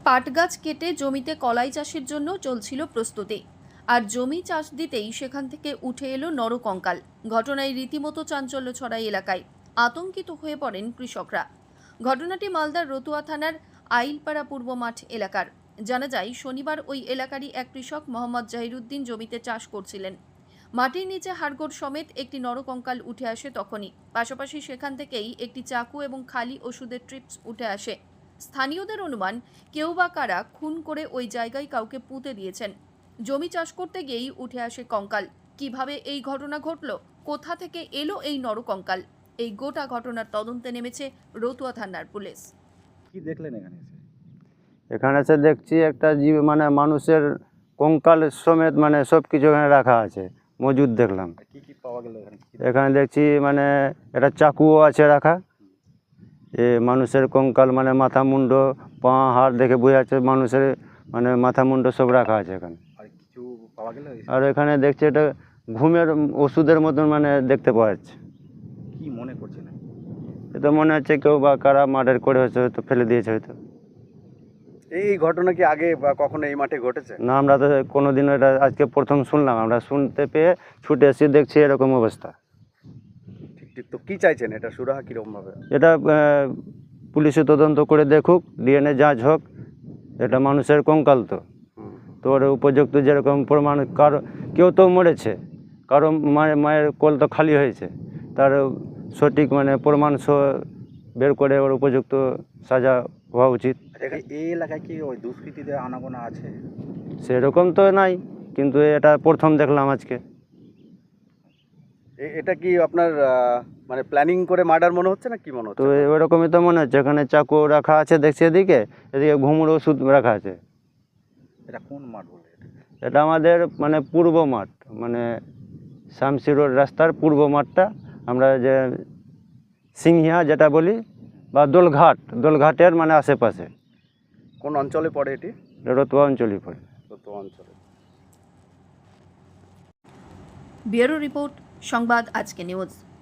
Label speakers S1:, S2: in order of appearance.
S1: পাট গাছ কেটে জমিতে কলাই চাষের জন্য চলছিল প্রস্তুতি। আর জমি চাষ দিতেই সেখান থেকে উঠে এলো নরকঙ্কাল। ঘটনায় রীতিমতো চাঞ্চল্য ছড়ায় এলাকায়। আতঙ্কিত হয়ে পড়েন কৃষকরা। ঘটনাটি মালদার রতুয়া থানার আইলপাড়া পূর্ব মাঠ এলাকার। জানা যায়, শনিবার ওই এলাকারই এক কৃষক মোহাম্মদ জাহিরুদ্দিন জমিতে চাষ করছিলেন। মাটির নিচে হাড়গোড় সমেত একটি নরকঙ্কাল উঠে আসে তখনই। পাশাপাশি সেখান থেকেই একটি চাকু এবং খালি ওষুধের ট্রিপস উঠে আসে। স্থানীয়দের অনুমান, কেউ বা কারা খুন করে ওই জায়গায় কাউকে পুঁতে দিয়েছেন। জমি চাষ করতে গিয়েই উঠে আসে কঙ্কাল। কিভাবে এই ঘটনা ঘটল, কোথা থেকে এলো এই নরকঙ্কাল, এই গোটা ঘটনার তদন্তে নেমেছে রতুয়া থানার পুলিশ।
S2: কি দেখলেন এখানে এসে?
S3: এখানে এসে দেখছি একটা জীব মানে মানুষের কঙ্কাল সমেত মানে সব কিছু এখানে রাখা আছে, মজুদ দেখলাম।
S2: কি কি পাওয়া গেল এখানে?
S3: এখানে দেখছি মানে একটা চাকুও আছে রাখা। এ মানুষের কঙ্কাল মানে মাথা মুন্ড পা হাড় দেখে বোঝা যাচ্ছে মানুষের মানে মাথা মুন্ড সব রাখা আছে এখানে।
S2: আর কিছু পাওয়া গেল?
S3: আর এখানে দেখছি এটা ঘুমের ওষুধের মতন মানে দেখতে পাওয়া যাচ্ছে।
S2: কি মনে করছেন?
S3: এটা মনে হচ্ছে কেউ বা কারা মার্ডার করে হয়তো ফেলে দিয়েছে হয়তো।
S2: এই ঘটনা কি আগে বা কখনো এই মাঠে ঘটেছে?
S3: না, আমরা তো কোনোদিনও এটা আজকে প্রথম শুনলাম। আমরা শুনতে পেয়ে ছুটে এসে দেখছি এরকম অবস্থা।
S2: ঠিক ঠিক। তো কি চাইছেন, এটা সুরাহা কিরকম ভাবে?
S3: এটা পুলিশে তদন্ত করে দেখুক, ডিএনএ যাঁচ হোক। এটা মানুষের কঙ্কাল তো ওর উপযুক্ত যেরকম প্রমাণ, কারো কেউ তো মরেছে, কারো মায়ের কোল তো খালি হয়েছে, তার সঠিক মানে প্রমাণ বের করে ওর উপযুক্ত সাজা হওয়া উচিত।
S2: এই এলাকায় কি ওই দুষ্কৃতীদের আনাগোনা আছে?
S3: সেরকম তো নাই, কিন্তু এটা প্রথম দেখলাম আজকে।
S2: এটা কি আপনার মানে প্ল্যানিং করে মার্ডার মনে হচ্ছে না কি মনে
S3: তো
S2: হচ্ছে?
S3: ওরকমই তো মনে হচ্ছে। এখানে চাকু রাখা আছে দেখছি, এদিকে ঘুমুর ওষুধ রাখা আছে।
S2: এটা কোন মাঠ বলে?
S3: এটা আমাদের মানে পূর্ব মাঠ, মানে শামসি রোড রাস্তার পূর্ব মাঠটা, আমরা যে সিংহিয়া যেটা বলি বা দোলঘাটের মানে আশেপাশে।
S2: কোন অঞ্চলে পড়ে এটি?
S3: রতুয়া অঞ্চলই পড়ে।
S2: কত অঞ্চলে?
S1: ব্যুরো রিপোর্ট, সংবাদ আজকে নিউজ।